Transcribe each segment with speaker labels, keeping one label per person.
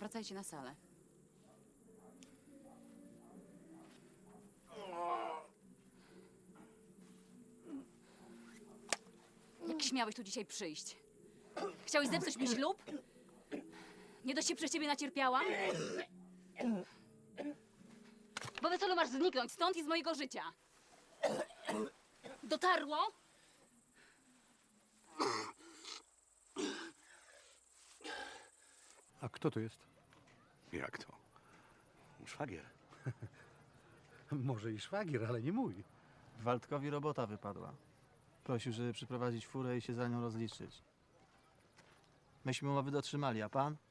Speaker 1: wracajcie na salę. Jak śmiałeś tu dzisiaj przyjść? Chciałeś zepsuć mi ślub? Nie dość się przez ciebie nacierpiałam? Bo weselu masz zniknąć stąd i z mojego życia. Dotarło?
Speaker 2: A kto to jest?
Speaker 3: Jak to? Szwagier.
Speaker 2: Może i szwagier, ale nie mój.
Speaker 4: Waldkowi robota wypadła. Prosił, żeby przyprowadzić furę i się za nią rozliczyć. Myśmy umowy dotrzymali, a pan?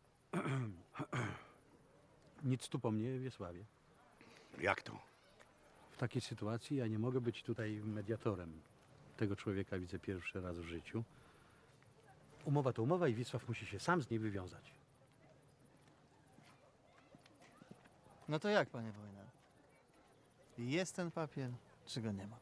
Speaker 2: Nic tu po mnie, Wiesławie.
Speaker 3: Jak to?
Speaker 2: W takiej sytuacji ja nie mogę być tutaj mediatorem. Tego człowieka widzę pierwszy raz w życiu. Umowa to umowa i Wiesław musi się sam z niej wywiązać.
Speaker 4: No to jak, panie Wojna? Jest ten papier, czy go nie ma?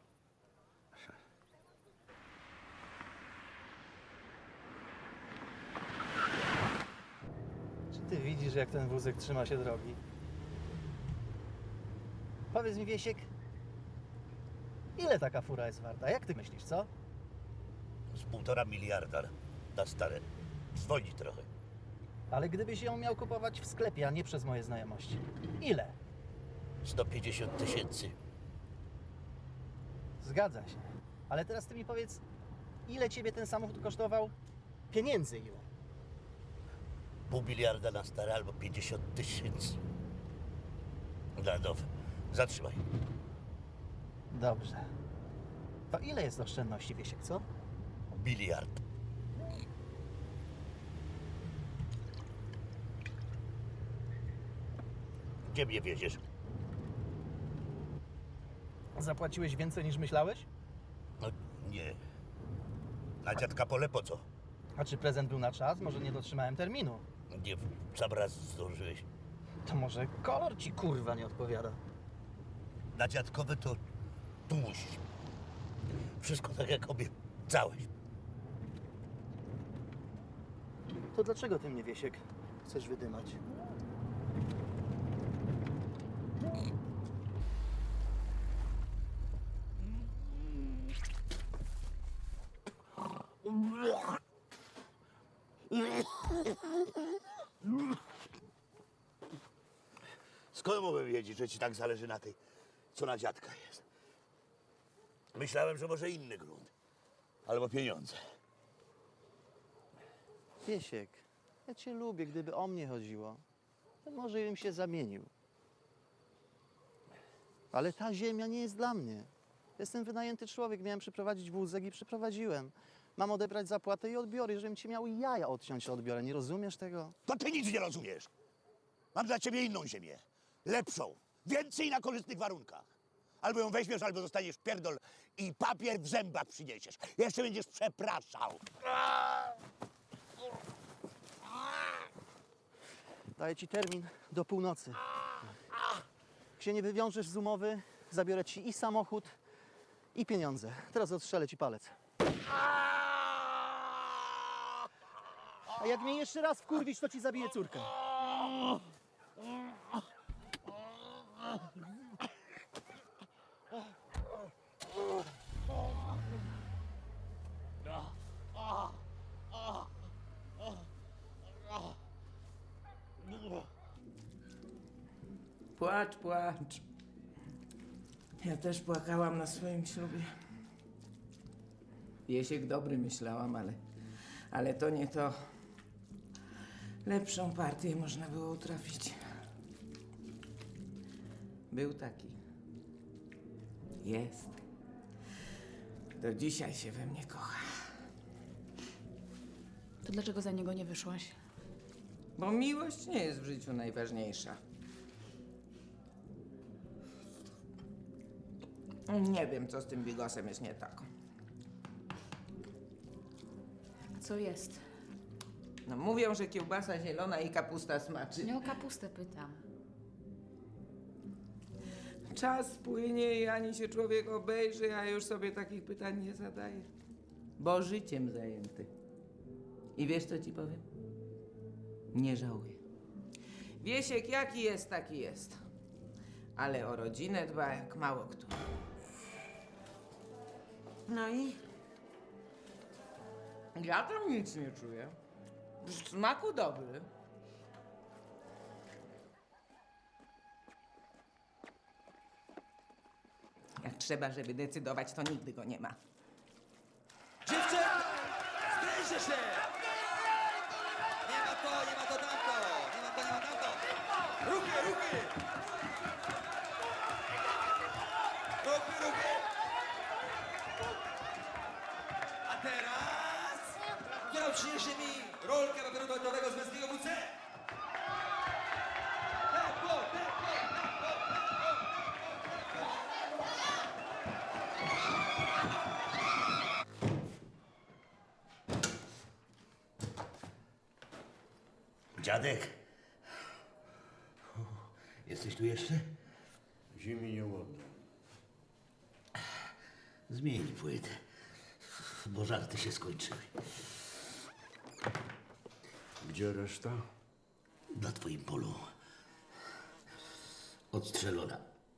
Speaker 4: Czy ty widzisz, jak ten wózek trzyma się drogi? Powiedz mi, Wiesiek, ile taka fura jest warta? Jak ty myślisz, co?
Speaker 5: Z 1,5 miliarda na stare. Dzwoni trochę.
Speaker 4: Ale gdybyś ją miał kupować w sklepie, a nie przez moje znajomości. Ile?
Speaker 5: 150 000.
Speaker 4: Zgadza się. Ale teraz ty mi powiedz, ile ciebie ten samochód kosztował? Pieniędzy ile?
Speaker 5: 0,5 miliarda na stare albo 50 000 na nowe. Zatrzymaj.
Speaker 4: Dobrze. To ile jest oszczędności, Wiesiek, co?
Speaker 5: 1 miliard. Gdzie mnie wieziesz?
Speaker 4: Zapłaciłeś więcej niż myślałeś?
Speaker 5: No nie. Na dziadka pole po co?
Speaker 4: A czy prezent był na czas? Może nie dotrzymałem terminu?
Speaker 5: Nie, w sam raz zdążyłeś.
Speaker 4: To może kolor ci kurwa nie odpowiada.
Speaker 5: Na dziadkowe to tu musisz. Wszystko tak jak obiecałeś.
Speaker 4: To dlaczego ty mnie, Wiesiek, chcesz wydymać?
Speaker 5: Skąd mogłem wiedzieć, że ci tak zależy na tej, co na dziadka jest? Myślałem, że może inny grunt. Albo pieniądze.
Speaker 4: Wiesiek, ja cię lubię. Gdyby o mnie chodziło, to może bym się zamienił. Ale ta ziemia nie jest dla mnie. Jestem wynajęty człowiek, miałem przyprowadzić wózek i przyprowadziłem. Mam odebrać zapłatę i odbiory. Żebym ci miał jaja odciąć, to odbiorę. Nie rozumiesz tego?
Speaker 5: To ty nic nie rozumiesz. Mam dla ciebie inną ziemię. Lepszą. Więcej na korzystnych warunkach. Albo ją weźmiesz, albo zostaniesz pierdol i papier w zębach przyniesiesz. Jeszcze będziesz przepraszał.
Speaker 4: Daję ci termin do północy. Jak się nie wywiążesz z umowy, zabiorę ci i samochód, i pieniądze. Teraz odstrzelę ci palec. A jak mnie jeszcze raz wkurwisz, to ci zabiję córkę.
Speaker 6: Płacz, płacz. Ja też płakałam na swoim ślubie. Wiesiek dobry myślałam, ale to nie to. Lepszą partię można było utrafić. Był taki. Jest. Do dzisiaj się we mnie kocha.
Speaker 1: To dlaczego za niego nie wyszłaś?
Speaker 6: Bo miłość nie jest w życiu najważniejsza. Nie wiem, co z tym bigosem jest nie tak.
Speaker 1: A co jest?
Speaker 6: No mówią, że kiełbasa zielona i kapusta smaczy.
Speaker 1: Nie o kapustę pytam.
Speaker 6: Czas płynie i ani się człowiek obejrzy, a już sobie takich pytań nie zadaje. Bo życiem zajęty. I wiesz, co ci powiem? Nie żałuję. Wiesiek jaki jest, taki jest. Ale o rodzinę dba jak mało kto. No i? Ja tam nic nie czuję. W smaku dobry. Jak trzeba, żeby decydować, to nigdy go nie ma.
Speaker 7: Dziewczęta! Sprężę się! Nie ma to, nie ma to tamto! Nie ma to, nie ma tamto! Ruchy, ruchy! Ruchy, ruchy! A teraz... Kto przyniesie mi rolkę papieru toaletowego z męskiego WC? Tempo, tempo, tempo, tempo!
Speaker 5: Dziadek. Jesteś tu jeszcze?
Speaker 8: Zimi nie oddam.
Speaker 5: Zmień płytę, bo żarty się skończyły.
Speaker 8: Gdzie reszta?
Speaker 5: Na twoim polu odstrzelona.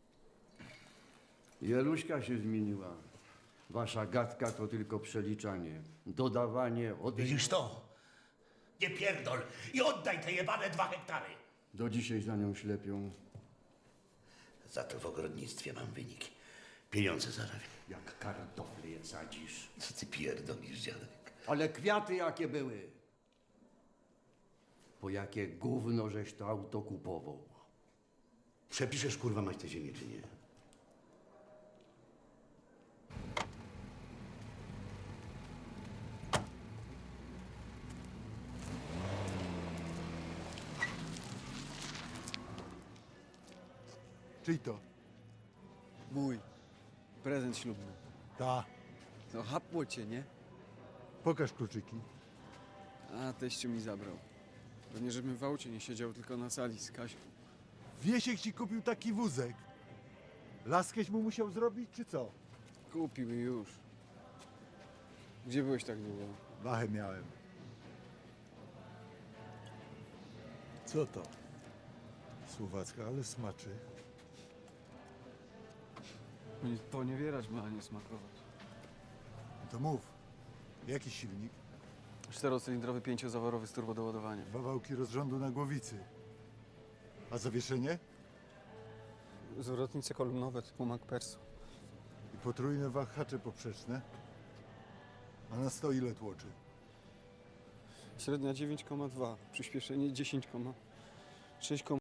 Speaker 8: Jeluśka się zmieniła. Wasza gadka to tylko przeliczanie, dodawanie,
Speaker 5: Widzisz to? Nie pierdol i oddaj te jebane 2 hektary.
Speaker 8: Do dzisiaj za nią ślepią.
Speaker 5: Za to w ogrodnictwie mam wynik. Pieniądze zarabiam.
Speaker 8: Jak kartofle je sadzisz.
Speaker 5: Co ty pierdolisz, dziadek?
Speaker 8: Ale kwiaty jakie były? Po jakie gówno żeś to auto kupował?
Speaker 5: Przepiszesz kurwa mać tę ziemię, czy nie?
Speaker 9: Czyj to?
Speaker 10: Mój. Prezent ślubny.
Speaker 9: Ta.
Speaker 10: No chapło cię, nie?
Speaker 9: Pokaż kluczyki.
Speaker 10: A teściu mi zabrał. Pewnie, żebym w aucie nie siedział, tylko na sali z Kasią.
Speaker 9: Wiesiek ci kupił taki wózek. Laskeś mu musiał zrobić, czy co?
Speaker 10: Kupił i już. Gdzie byłeś tak długo?
Speaker 9: Wachę miałem. Co to? Słowacka, ale smaczy.
Speaker 10: Poniewierać ma, a nie smakować.
Speaker 9: No to mów. Jaki silnik?
Speaker 10: 4-cylindrowy, 5-zaworowy z turbodoładowaniem.
Speaker 9: 2 wałki rozrządu na głowicy. A zawieszenie?
Speaker 10: Zwrotnice kolumnowe typu MacPherson.
Speaker 9: I potrójne wahacze poprzeczne. A na 100 ile tłoczy?
Speaker 10: Średnia 9,2, przyspieszenie 10,6.